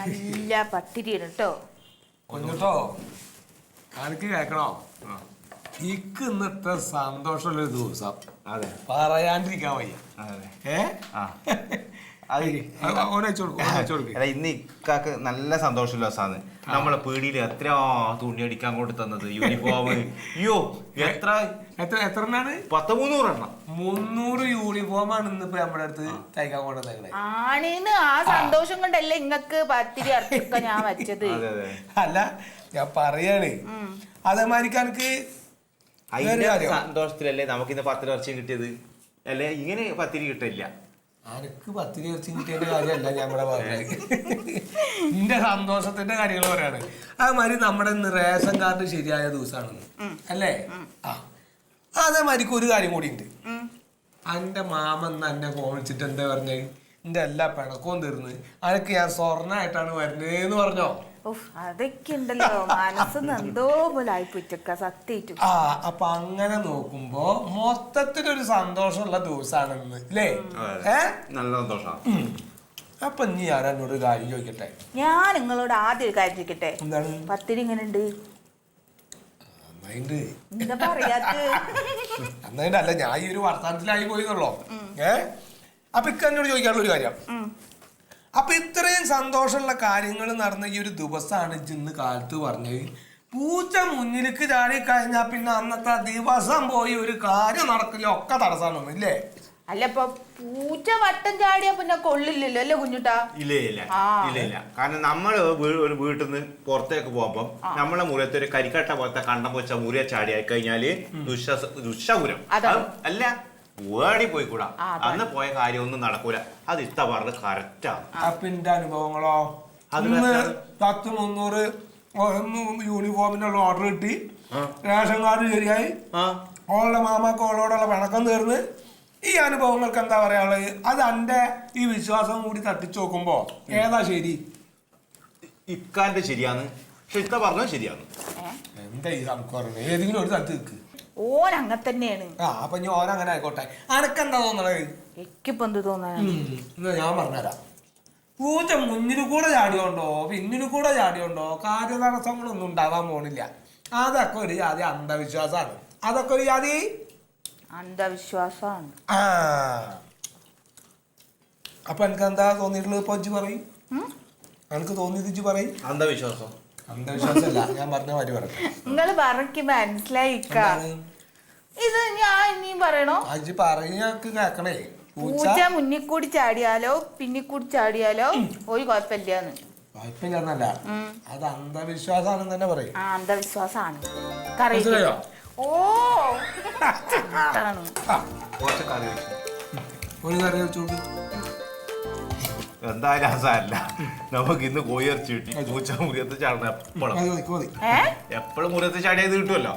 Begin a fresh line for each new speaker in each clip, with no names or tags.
നല്ല പത്തിരിയാണ് കേട്ടോ.
കൊഞ്ഞിട്ടോ എനിക്ക് കേക്കണോ? ഇക്ക് ഇന്നത്തെ സന്തോഷമുള്ളൊരു ദിവസം. അതെ, പറയാണ്ടിരിക്കാൻ വയ്യ.
ഇന്ന് ഇക്കാക്ക് നല്ല സന്തോഷമുള്ള ദിവസമാണ്. നമ്മളെ പീടിയിൽ എത്ര തുണി അടിക്കാൻ കൊണ്ട് തന്നത്, യൂണിഫോം. അയ്യോ എത്ര 300
യൂണിഫോമാണ് ഇന്നിപ്പോ നമ്മുടെ അടുത്ത് തയ്ക്കാൻ കൊണ്ടുവന്നേ.
ആണീന്ന് ആ സന്തോഷം കൊണ്ടല്ലേ ഇങ്ങക്ക് പത്തിരി അർത്ഥമൊക്കെ ഞാൻ വെച്ചത്.
അല്ല ഞാൻ പറയാണ്, അതേമാതിരിക്ക് എനിക്ക്
സന്തോഷത്തിലല്ലേ നമുക്കിന്ന് 10 വർഷം കിട്ടിയത്. അല്ലെ ഇങ്ങനെ പത്തിരി കിട്ടില്ല.
എനിക്ക് പത്തിരി ഇറച്ചി കിട്ടിയതിന്റെ കാര്യമല്ല ഞാൻ ഇവിടെ പറഞ്ഞത്, എന്റെ സന്തോഷത്തിന്റെ കാര്യങ്ങൾ പറയാണ്. അതേമാതിരി നമ്മുടെ ഇന്ന് റേഷൻ കാർഡ് ശരിയായ ദിവസമാണെന്ന് അല്ലേ? അതേമാതിരിക്ക് ഒരു കാര്യം കൂടി ഉണ്ട്. എന്റെ മാമന്ന് എന്നെ ഫോൺ വിളിച്ചിട്ട് എന്താ പറഞ്ഞത്, എന്റെ എല്ലാ പിണക്കവും തീർന്ന് അനക്ക് ഞാൻ സ്വർണ്ണായിട്ടാണ് വരുന്നേന്ന് പറഞ്ഞോ.
അതൊക്കെ ഉണ്ടല്ലോ, മനസ്സിന്ന് എന്തോ പോലെ ആയിപ്പോയിട്ടൊക്കെ സത്യം.
അപ്പൊ അങ്ങനെ നോക്കുമ്പോ മൊത്തത്തിലൊരു സന്തോഷമുള്ള ദിവസമാണെന്ന് അല്ലേ?
നല്ല സന്തോഷം.
അപ്പൊ നീ ഞാൻ എന്നോട് കാര്യം ചോദിക്കട്ടെ.
ഞാൻ നിങ്ങളോട് ആദ്യം ഒരു കാര്യം ചോദിക്കട്ടെ.
എന്താണ്?
പത്തിരി ഇങ്ങനെ ഉണ്ട്? എന്താ
പറയാ? അല്ല ഞാൻ ഈ ഒരു വർത്തമാനത്തിലായി പോയിന്നുള്ളോ. അപ്പൊ ഇക്ക എന്നോട് ചോദിക്കാനുള്ള ഒരു കാര്യം, അപ്പൊ ഇത്രയും സന്തോഷമുള്ള കാര്യങ്ങൾ നടന്ന ഈ ഒരു ദിവസമാണ് ഇന്ന് കാലത്ത് പറഞ്ഞത്. പൂച്ച മുന്നിലേക്ക് ചാടി കഴിഞ്ഞാൽ പിന്നെ അന്നത്തെ ദിവസം പോയി ഒരു കാര്യം നടക്കില്ല, ഒക്കെ തടസ്സമാണ് ഇല്ലേ?
അല്ല ഇപ്പൊ പൂച്ച വട്ടം ചാടിയാ പിന്നെ കൊള്ളില്ലല്ലോ അല്ലേ കുഞ്ഞുട്ടാ?
ഇല്ല. കാരണം നമ്മള് ഒരു വീട്ടിൽ നിന്ന് പുറത്തേക്ക് പോകുമ്പോ നമ്മളെ മുറിയത്തെ ഒരു കരിക്കട്ട പോലത്തെ കണ്ടം വെച്ച മുറിയെ ചാടിയായി കഴിഞ്ഞാല് ദുഷപുരം അല്ല, വേടി പോയി കൂടാ. അന്ന് പോയ കാര്യമൊന്നും നടക്കൂല. അത് ഇത്ത പറഞ്ഞത് കറക്റ്റാണ്.
അപ്പൊ എന്റെ അനുഭവങ്ങളോ, 100-300 യൂണിഫോമിനുള്ള ഓർഡർ കിട്ടി, റേഷൻ കാർഡ് ശരിയായി, ഓളുടെ മാമാക്ക് ഓളോടുള്ള പിണക്കം തീർന്ന്. ഈ അനുഭവങ്ങൾക്ക് എന്താ പറയാനുള്ളത്? അത് എന്റെ ഈ വിശ്വാസം കൂടി തട്ടിച്ചു നോക്കുമ്പോ ഏതാ ശരി?
ഇക്കാന്റെ ശരിയാണ്, പക്ഷെ ഇത്ത പറഞ്ഞത് ശരിയാണ്.
എന്താ ഈ സംസ്കാരം? ഏതെങ്കിലും ഒരു സ്ഥലത്ത് നിൽക്ക്.
ഓൻ അങ്ങനെ തന്നെയാണ്.
അപ്പൊ ഞാൻ ഓരങ്ങനെ ആയിക്കോട്ടെ. അനക്കെന്താ തോന്നണത്?
എനിക്കിപ്പോ എന്ത് തോന്നാനാ?
ഞാൻ പറഞ്ഞുതരാം. പൂച്ച മുന്നിൽ കൂടെ ചാടിയോണ്ടോ പിന്നിൽ കൂടെ ചാടിയോണ്ടോ കാര്യതടസ്സങ്ങളൊന്നും ഉണ്ടാവാൻ പോണില്ല. അതൊക്കെ ഒരു ജാതി അന്ധവിശ്വാസമാണ്. അതൊക്കെ ഒരു ജാതി
അന്ധവിശ്വാസമാണ്.
അപ്പൊ എനിക്ക് എന്താ തോന്നിയിട്ടുള്ളത്? ഇപ്പൊ ഇജ്ജ് പറയും, എനിക്ക് തോന്നിയത് ഇജ്ജ് പറയും. അന്ധവിശ്വാസമല്ല, ഞാൻ പറഞ്ഞ മാതിരി പറഞ്ഞു.
നിങ്ങള് പറഞ്ഞ് മനസ്സിലായിക്ക. ഇത് ഞാൻ ഇനിയും പറയണോ?
അജ്ജ് പറഞ്ഞക്ക് കേക്കണേ.
പൂച്ച മുന്നിൽ കൂടി ചാടിയാലോ പിന്നിൽ കൂടി ചാടിയാലോ ഒരു കുഴപ്പമില്ലാന്ന്.
കുഴപ്പമില്ലെന്നല്ല, അത് അന്ധവിശ്വാസമാണെന്ന് തന്നെ പറയും.
അന്ധവിശ്വാസമാണ്. ഓ
ഒരു കറി വെച്ചോണ്ട്
എന്തായാലും സാരല്ല, നമുക്ക് ഇന്ന് കോയിറച്ചി കിട്ടി. പൂച്ച മുറിയത്ത് ചാടണം എപ്പോഴും മുറിയത്ത് ചാടിയത് കിട്ടുമല്ലോ.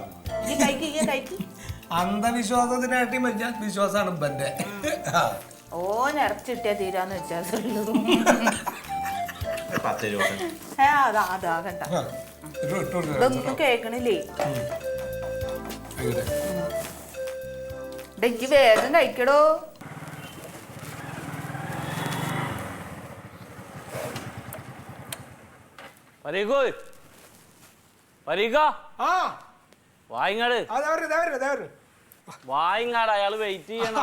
അന്ധവിശ്വാസത്തിനായിട്ട് വലിയ വിശ്വാസമാണ് ഇപ്പന്റെ.
ഓ നിറച്ച് കിട്ടിയാ തീരാന്ന് വെച്ചാ
10 രൂപ.
ഇതൊന്നും കേക്കണില്ലേ? എനിക്ക് വേഗം കഴിക്കടോ.
വായിങ്ങാട് അയാള് വെയിറ്റ് ചെയ്യണം.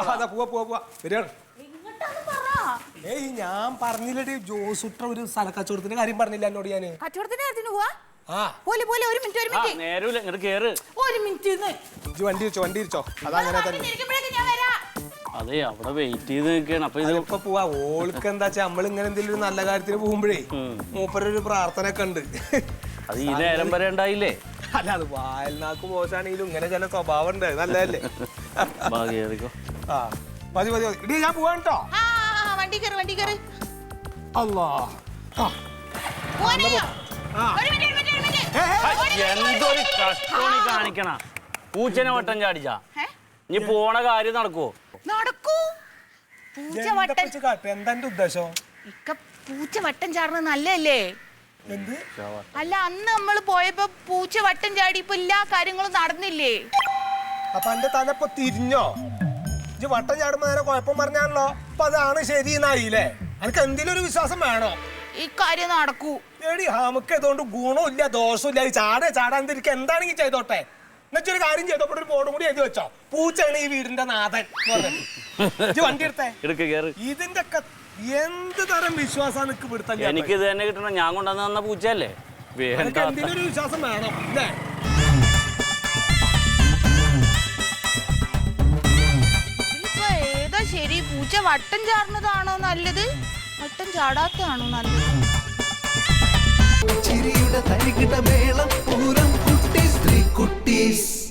ഞാൻ പറഞ്ഞില്ലേ ജോസുട്ട ഒരു സ്ഥലക്കച്ചവടത്തിന്റെ കാര്യം പറഞ്ഞില്ല എന്നോട്. ഞാൻ
കച്ചവടത്തിന്റെ കാര്യത്തിന് പോവാ. ഒരു മിനിറ്റ്
നേരൂല ഇങ്ങോട്ട് കേറ്.
ഒരു മിനിറ്റ്
വണ്ടി ഇരിച്ചോ. അതങ്ങനെ തന്നെ.
അതെ, അവിടെ വെയിറ്റ് ചെയ്ത് നിൽക്കുകയാണ്. അപ്പൊ
ഇതിപ്പോ പോവാ. ഓൾക്ക് എന്താ വെച്ചാ നമ്മൾ ഇങ്ങനെ എന്തെങ്കിലും നല്ല കാര്യത്തിന് പോകുമ്പോഴേ മൂപ്പരൊരു പ്രാർത്ഥന ഒക്കെ ഉണ്ട്.
അത് ഈ നേരം വരെ ഉണ്ടായില്ലേ?
അല്ല, അത് വായൽനാക്ക് പോസാണെങ്കിലും ഇങ്ങനെ ചില സ്വഭാവം ഉണ്ട്. നല്ലതല്ലേ? മതി ഇടി, ഞാൻ പോവാൻ കേട്ടോ.
വണ്ടി കയറി.
എന്തൊരു കഷ്ടോണി കാണിക്കണ. പൂച്ചനെ വട്ടം ചാടിച്ചാ നീ പോണ കാര്യം നടക്കൂ?
എന്താ ഉദ്ദേശം?
പൂച്ച വട്ടം ചാടുന്നത് നല്ലല്ലേ? അല്ല, അന്ന് നമ്മൾ പോയപ്പോ പൂച്ച വട്ടം ചാടി ഇപ്പൊ എല്ലാ കാര്യങ്ങളും നടന്നില്ലേ?
അപ്പൊ എന്റെ തലപ്പൊ തിരിഞ്ഞോ? ഇജ്ജ് വട്ടം ചാടുമ്പോ നേരെ കുഴപ്പം പറഞ്ഞാണല്ലോ. അപ്പൊ അതാണ് ശരി എന്നായില്ലേ? എനിക്ക് എന്തെങ്കിലും ഒരു വിശ്വാസം വേണോ?
ഈ കാര്യം നടക്കൂ.
എടി നമുക്ക് അതുകൊണ്ട് ഗുണമില്ല ദോഷമില്ല. ചാടാതിരിക്കുക എന്താണെങ്കിൽ ചെയ്തോട്ടെ. എന്നുവെച്ചൊരു കാര്യം ചെയ്തപ്പോൾ ഒരു ബോർഡും കൂടി എഴുതി വെച്ചോ, പൂച്ചയാണ് ഈ വീടിന്റെ നാഥൻ വണ്ടി എടുത്തേ. ഇതിന്റെ ഒക്കെ എന്ത് തരം വിശ്വാസം പിടുത്തം?
എനിക്ക് ഇത് തന്നെ കിട്ടണം. ഞാൻ കൊണ്ടുവന്ന് തന്ന പൂച്ചയല്ലേ.
എന്തിനൊരു വിശ്വാസം വേണം അല്ലേ?
ഇപ്പൊ ഏതാ ശരി? പൂച്ച വട്ടം ചാടുന്നതാണോ നല്ലത്, വട്ടം ചാടാത്തതാണോ നല്ലത്?
ചിരിയുടെ തരികിട മേളം പൂരം കുട്ടീസ് 3 കുട്ടീസ്.